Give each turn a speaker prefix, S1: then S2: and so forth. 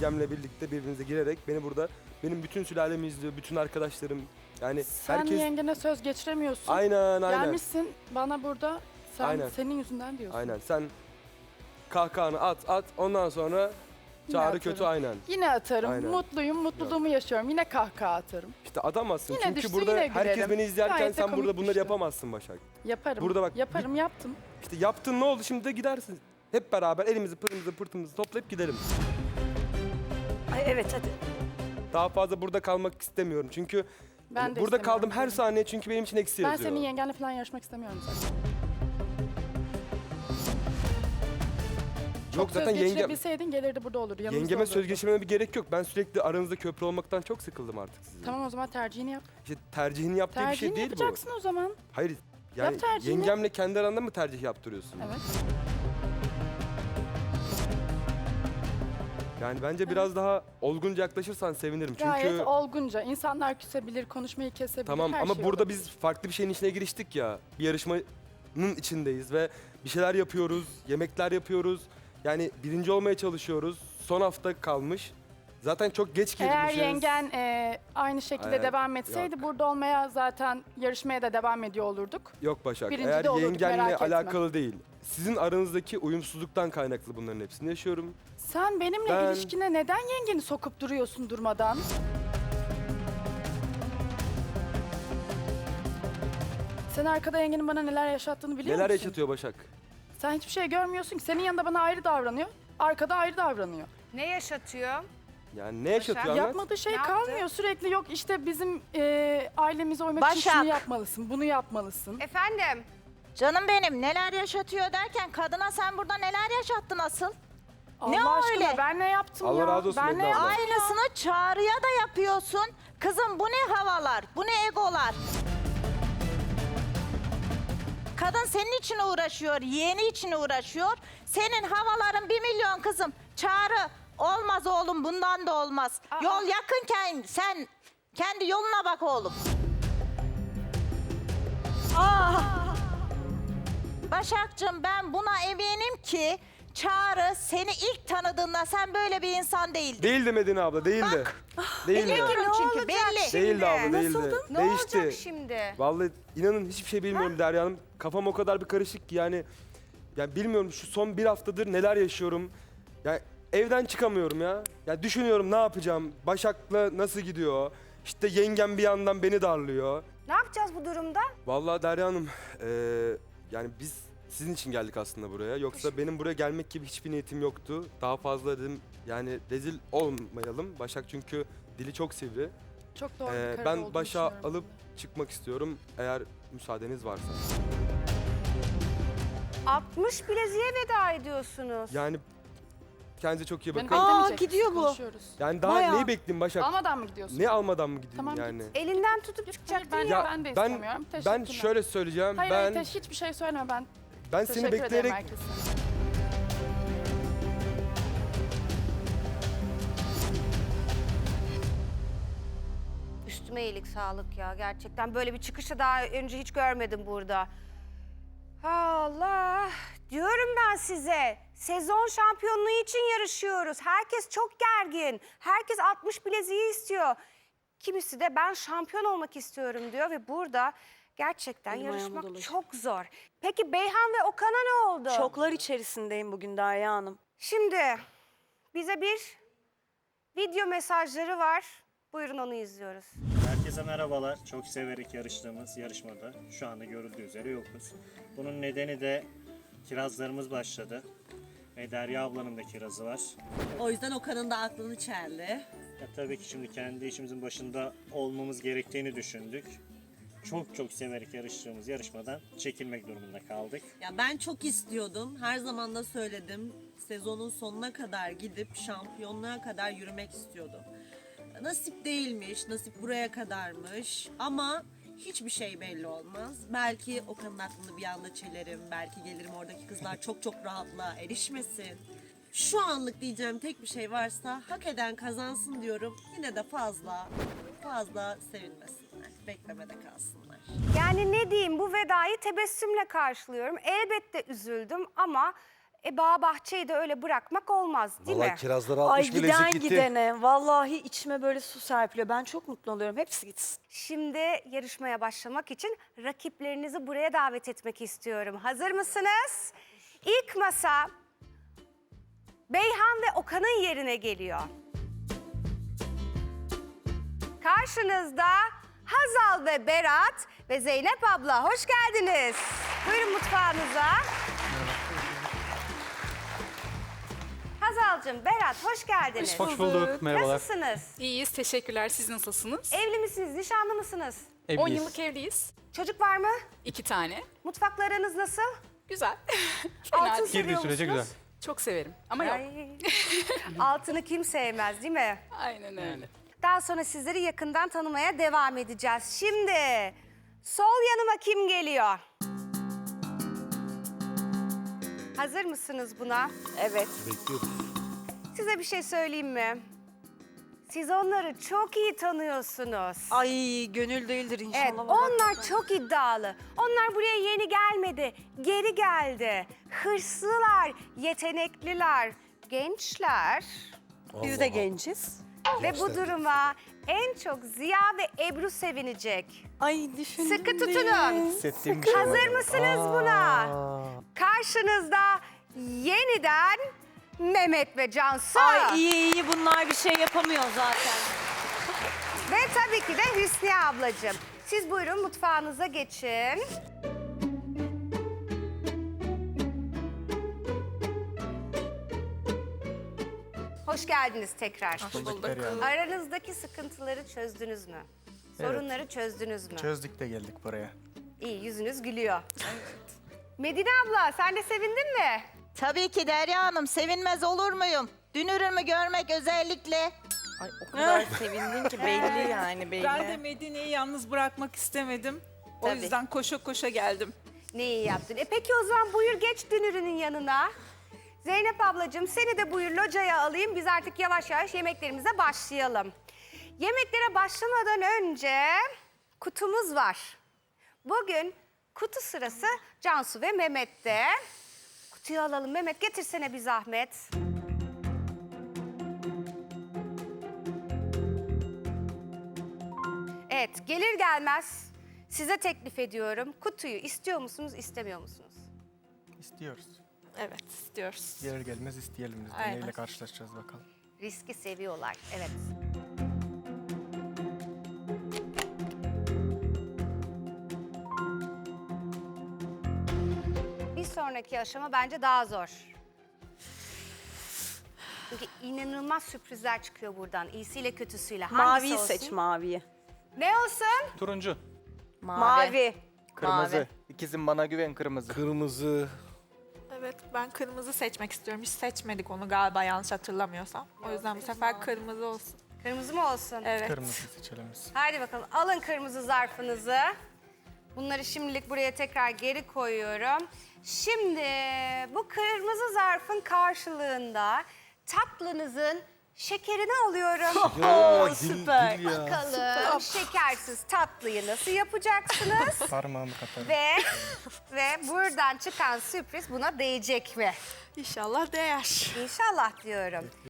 S1: yengemle birlikte birbirimize girerek beni burada, benim bütün sülalemi izliyor, bütün arkadaşlarım. Yani
S2: Sen
S1: herkes...
S2: yengene söz geçiremiyorsun.
S1: Aynen.
S2: Gelmişsin bana burada,
S1: Aynen.
S2: senin yüzünden diyorsun.
S1: Aynen, sen kahkahanı at, ondan sonra çağrı
S2: atarım.
S1: kötü aynen.
S2: Yine atarım.
S1: Aynen.
S2: Mutluyum, mutluluğumu yaşıyorum. Yine kahkaha atarım.
S1: İşte atamazsın
S2: Yine
S1: çünkü
S2: düştü,
S1: burada
S2: yine
S1: herkes
S2: gülerim.
S1: beni izlerken
S2: Gayet de
S1: sen burada
S2: komik
S1: bunları
S2: düştü.
S1: yapamazsın Başak.
S2: Yaparım.
S1: Burada bak,
S2: Yaparım, yaptım.
S1: İşte yaptın, ne oldu şimdi de gidersin. Hep beraber elimizi pırtımızı toplayıp gidelim.
S3: Ay evet hadi.
S1: Daha fazla burada kalmak istemiyorum çünkü
S2: Ben
S1: hani
S2: de
S1: burada
S2: istemiyorum
S1: kaldım her
S2: seni.
S1: saniye çünkü benim için eksi
S2: Ben
S1: yazıyor.
S2: senin yengenle falan yarışmak istemiyorum zaten.
S1: Yok
S2: Çok
S1: zaten
S2: söz
S1: yengem,
S2: geçirebilseydin gelirdi burada olurdu. Yanımızda
S1: yengeme söz
S2: olurdu.
S1: geçirmeme bir gerek yok. Ben sürekli aranızda köprü olmaktan çok sıkıldım artık sizin.
S2: Tamam o zaman tercihini yap.
S1: İşte tercihini yaptığı bir şey
S2: Tercihini
S1: değil
S2: yapacaksın o zaman.
S1: bu. Hayır yani
S2: Yap tercihini.
S1: yengemle kendi aranda mı tercih yaptırıyorsun?
S2: Evet.
S1: Yani bence biraz daha olgunca yaklaşırsan sevinirim. Çünkü
S2: Gayet olgunca. İnsanlar küsebilir, konuşmayı kesebilir,
S1: tamam
S2: her
S1: ama
S2: şey
S1: burada
S2: olabilir.
S1: biz farklı bir şeyin içine giriştik ya. Bir yarışmanın içindeyiz ve bir şeyler yapıyoruz, yemekler yapıyoruz. Yani birinci olmaya çalışıyoruz. Son hafta kalmış. Zaten çok geç girmişiz.
S2: Eğer yengen aynı şekilde
S1: Hayır,
S2: devam etseydi
S1: yok.
S2: burada olmaya zaten yarışmaya da devam ediyor olurduk.
S1: Yok Başak,
S2: Birinci
S1: eğer
S2: de olurduk,
S1: yengenle
S2: merak etme.
S1: alakalı değil. Sizin aranızdaki uyumsuzluktan kaynaklı bunların hepsini yaşıyorum.
S2: Sen benimle
S1: Ben-
S2: ilişkine neden yengeni sokup duruyorsun durmadan? Sen arkada yengenin bana neler yaşattığını biliyor
S1: Neler
S2: musun?
S1: yaşatıyor Başak?
S2: Sen hiçbir şey görmüyorsun ki. Senin yanında bana ayrı davranıyor, arkada ayrı davranıyor.
S4: Ne yaşatıyor?
S1: Yani ne yaşatıyor anlat.
S2: Yapmadığı şey
S4: Ne yaptı?
S2: kalmıyor. Sürekli yok işte bizim ailemize uymak için
S3: Başak.
S2: şunu yapmalısın, bunu yapmalısın.
S4: Efendim?
S3: Canım benim neler yaşatıyor derken kadına sen burada neler yaşattın asıl? Ne
S2: Allah
S3: o
S2: aşkına
S3: öyle?
S2: ben ne yaptım
S1: Allah
S2: ya?
S1: razı olsun
S2: Ben ne
S1: Ebru abla.
S2: yaptım?
S3: Aynısını Çağrı'ya da yapıyorsun. Kızım bu ne havalar, bu ne egolar? Kadın senin için uğraşıyor, yeğeni için uğraşıyor. Senin havaların 1.000.000 kızım. Çağrı olmaz oğlum, bundan da olmaz. Yol yakınken sen kendi yoluna bak oğlum. Başakcığım ben buna eminim ki Çağrı seni ilk tanıdığında sen böyle bir insan değildin.
S1: Değildi Medine abla, değildi. Değildi.
S3: Biliyorum
S4: Ne
S3: çünkü
S4: olacak
S3: belli.
S4: şimdi?
S1: Değildi abla, değildi.
S4: Ne
S1: Değişti.
S4: olacak şimdi?
S1: Vallahi inanın hiçbir şey bilmiyorum Derya Hanım. Kafam o kadar bir karışık ki yani bilmiyorum şu son bir haftadır neler yaşıyorum. Yani evden çıkamıyorum ya. Ya düşünüyorum ne yapacağım? Başak'la nasıl gidiyor? İşte yengem bir yandan beni darlıyor.
S4: Ne yapacağız bu durumda?
S1: Vallahi Derya Hanım yani biz sizin için geldik aslında buraya. Yoksa benim buraya gelmek gibi hiçbir niyetim yoktu. Daha fazla dedim yani rezil olmayalım. Başak çünkü dili çok sivri.
S2: Çok doğru bir karar
S1: Ben
S2: olduğunu
S1: başa
S2: düşünüyorum.
S1: alıp çıkmak istiyorum eğer müsaadeniz varsa.
S4: 60 bileziğe veda ediyorsunuz.
S1: Yani kendinize çok iyi
S2: Beni
S1: bakın.
S2: beklemeyecek
S3: gidiyor
S2: misin?
S3: bu.
S2: Konuşuyoruz.
S1: Yani daha
S3: Bayağı.
S1: neyi bekleyeyim Başak?
S2: Almadan mı gidiyorsun?
S1: Ne almadan mı gideyim
S2: Tamam,
S1: yani?
S2: git.
S4: Elinden tutup
S2: Hayır,
S4: çıkacaktın
S2: ben,
S4: ya.
S2: ben de
S1: Ben
S2: istemiyorum.
S1: ben
S2: Teşekkürler.
S1: şöyle söyleyeceğim.
S2: Hayır,
S1: ben
S2: hayır, hiçbir şey söyleme ben.
S1: seni
S2: Teşekkür ederim
S1: bekleyerek
S2: herkese.
S4: Üstüme iyilik sağlık ya gerçekten. Böyle bir çıkışı daha önce hiç görmedim burada. Allah! Diyorum ben size. Sezon şampiyonluğu için yarışıyoruz. Herkes çok gergin. Herkes 60 bileziği istiyor. Kimisi de ben şampiyon olmak istiyorum diyor ve burada gerçekten
S5: Elim ayağıma
S4: yarışmak
S5: dolaşıyor.
S4: çok zor. Peki Beyhan ve Okan'a ne oldu?
S5: Şoklar içerisindeyim bugün Derya Hanım.
S4: Şimdi bize bir video mesajları var. Buyurun onu izliyoruz.
S6: Herkese merhabalar. Çok severek yarıştığımız yarışmada şu anda görüldüğü üzere yokuz. Bunun nedeni de kirazlarımız başladı. Ve Derya ablanın da kirazı var.
S7: O yüzden Okan'ın da aklını çeldi.
S6: Tabii ki şimdi kendi işimizin başında olmamız gerektiğini düşündük. Çok severek yarıştığımız yarışmadan çekilmek durumunda kaldık.
S7: Ya ben çok istiyordum. Her zaman da söyledim. Sezonun sonuna kadar gidip şampiyonluğa kadar yürümek istiyordum. Nasip değilmiş, nasip buraya kadarmış ama hiçbir şey belli olmaz. Belki Okan'ın aklını bir anda çelerim, belki gelirim oradaki kızlar çok rahatla erişmesin. Şu anlık diyeceğim tek bir şey varsa hak eden kazansın diyorum. Yine de fazla sevinmesinler, beklemede kalsınlar.
S4: Yani ne diyeyim, bu vedayı tebessümle karşılıyorum. Elbette üzüldüm ama Bağ bahçeyi de öyle bırakmak olmaz değil
S8: Vallahi
S4: mi?
S8: kirazları
S5: Ay
S8: 60 bilezik
S5: giden
S8: gitti.
S5: gidene vallahi içime böyle su serpiliyor. Ben çok mutlu oluyorum. Hepsi gitsin.
S4: Şimdi yarışmaya başlamak için rakiplerinizi buraya davet etmek istiyorum. Hazır mısınız? İlk masa Beyhan ve Okan'ın yerine geliyor. Karşınızda Hazal ve Berat ve Zeynep abla. Hoş geldiniz. Buyurun mutfağınıza. Hazal'cığım, Berat hoş geldiniz.
S9: Hoş bulduk. Merhabalar.
S4: Nasılsınız?
S2: İyiyiz, teşekkürler. Siz nasılsınız?
S4: Evli misiniz, nişanlı mısınız?
S2: 10
S9: Evliyiz.
S2: yıllık evliyiz.
S4: Çocuk var mı?
S2: 2 tane.
S4: Mutfaklarınız nasıl?
S2: Güzel. Fena
S4: Altın
S2: değil.
S4: seviyor
S9: Girdiği sürece
S4: musunuz?
S9: güzel.
S2: Çok severim ama yok.
S4: Ay. Altını kim sevmez değil mi?
S2: Aynen öyle.
S4: Daha sonra sizleri yakından tanımaya devam edeceğiz. Şimdi sol yanıma kim geliyor? Hazır mısınız buna?
S5: Evet.
S8: Bekliyoruz.
S4: Size bir şey söyleyeyim mi? Siz onları çok iyi tanıyorsunuz.
S5: Ay gönül değildir inşallah.
S4: Evet, onlar çok iddialı. Onlar buraya yeni gelmedi, geri geldi. Hırslılar, yetenekliler, gençler.
S5: Biz de genciz.
S4: Ve bu duruma en çok Ziya ve Ebru sevinecek.
S5: Ay düşündüm.
S4: Sıkı tutunun.
S8: Hissettiğim bir şey var.
S4: Hazır mısınız buna? Karşınızda yeniden Mehmet ve Cansu.
S5: Ay iyi bunlar bir şey yapamıyor zaten.
S4: Ve tabii ki de Hüsniye ablacığım. Siz buyurun mutfağınıza geçin. Hoş geldiniz tekrar.
S2: Bulduk.
S4: Aranızdaki sıkıntıları çözdünüz mü? Sorunları çözdünüz mü?
S9: Çözdük de geldik buraya.
S4: İyi, yüzünüz gülüyor. Medine abla, sen de sevindin mi?
S3: Tabii ki Derya Hanım, sevinmez olur muyum? Dünürümü görmek özellikle.
S5: Ay o kadar sevindin ki belli yani belli.
S10: Ben de Medine'yi yalnız bırakmak istemedim. O
S4: Tabii.
S10: yüzden koşa koşa geldim.
S4: Ne iyi yaptın. Peki o zaman buyur geç dünürünün yanına. Zeynep ablacığım seni de buyur locaya alayım. Biz artık yavaş yavaş yemeklerimize başlayalım. Yemeklere başlamadan önce kutumuz var. Bugün kutu sırası Cansu ve Mehmet'te. Kutuyu alalım. Mehmet getirsene bir zahmet. Evet, gelir gelmez size teklif ediyorum. Kutuyu istiyor musunuz, istemiyor musunuz?
S9: İstiyoruz.
S10: Evet, istiyoruz.
S9: Gelir gelmez isteyelim biz de.
S10: Aynen.
S9: Neyle karşılaşacağız bakalım.
S4: Riski seviyorlar, evet. Bir sonraki aşama bence daha zor. Çünkü inanılmaz sürprizler çıkıyor buradan. İyisiyle kötüsüyle. Hangisi
S5: Maviyi
S4: olsun?
S5: seç maviyi.
S4: Ne olsun?
S9: Turuncu.
S5: Mavi.
S9: Kırmızı. İkizim bana güven kırmızı.
S8: Kırmızı.
S10: Evet, ben kırmızı seçmek istiyorum. Hiç seçmedik onu galiba yanlış hatırlamıyorsam. O yüzden bu sefer kırmızı olsun.
S4: Kırmızı mı olsun?
S10: Evet.
S9: Kırmızı seçelim biz.
S4: Haydi bakalım alın kırmızı zarfınızı. Bunları şimdilik buraya tekrar geri koyuyorum. Şimdi bu kırmızı zarfın karşılığında tatlınızın şekerini alıyorum.
S8: Ya,
S5: süper.
S8: Dil ya.
S4: Bakalım şekersiz tatlıyı nasıl yapacaksınız?
S9: Parmağımı katarım.
S4: ve buradan çıkan sürpriz buna değecek mi?
S10: İnşallah değer.
S4: İnşallah diyorum.